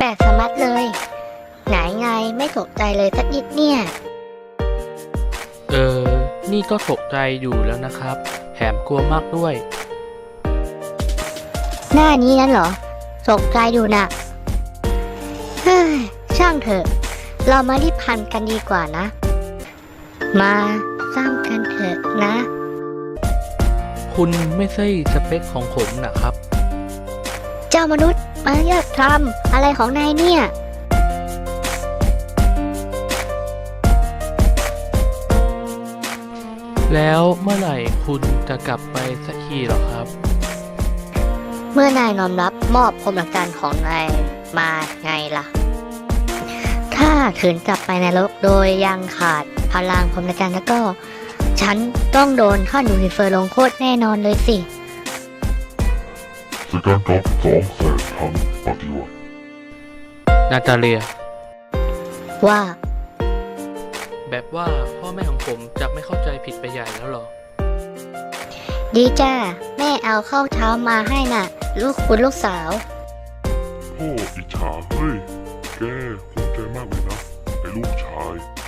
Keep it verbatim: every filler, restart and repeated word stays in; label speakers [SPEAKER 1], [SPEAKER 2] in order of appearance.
[SPEAKER 1] ลกๆสมัดเลยไหนไงไม่ตกใจเลยสักนิดเนี่ย
[SPEAKER 2] เออ นี่ก็ตกใจอยู่แล้วนะครับแถมกลัวมากด้วย
[SPEAKER 1] หน้านี้นั่นเหรอตกใจอยู่นะเฮ้ยช่างเถอะ เรามารีบพันกันดีกว่านะ มาสร้างกันเถอะนะ
[SPEAKER 2] คุณไม่ใช่สเปคของผมนะครับ
[SPEAKER 1] เจ้ามนุษย์มาเลือกทำอะไรของนายเนี่ย
[SPEAKER 2] แล้วเมื่อไหร่คุณจะกลับไปสักทีหรอครับ
[SPEAKER 1] เมื่อนายน้อมรับมอบพรหมจรรย์ของนายมาไงล่ะ ถ้าขืนกลับไปในโลกโดยยังขาดพลังพรหมจรรย์แล้วก็ ฉันต้องโดนข้าดูซิเฟอร์ลงโทษแน่นอนเลยสิ
[SPEAKER 3] สแกนกับสองแสนทั้งปฏิวัติ
[SPEAKER 2] นาตาเลีย
[SPEAKER 1] ว่า
[SPEAKER 2] แบบว่าพ่อแม่ของผมจะไม่เข้าใจผิดไปใหญ่แล้วหรอ
[SPEAKER 1] ดีจ้าแม่เอาข้าวเช้ามาให้น่ะ ลูกคุณลูกสาว
[SPEAKER 3] พ่ออิจฉาเฮ้ย แกภูมิใจมากเลยนะไอ้ลูกชาย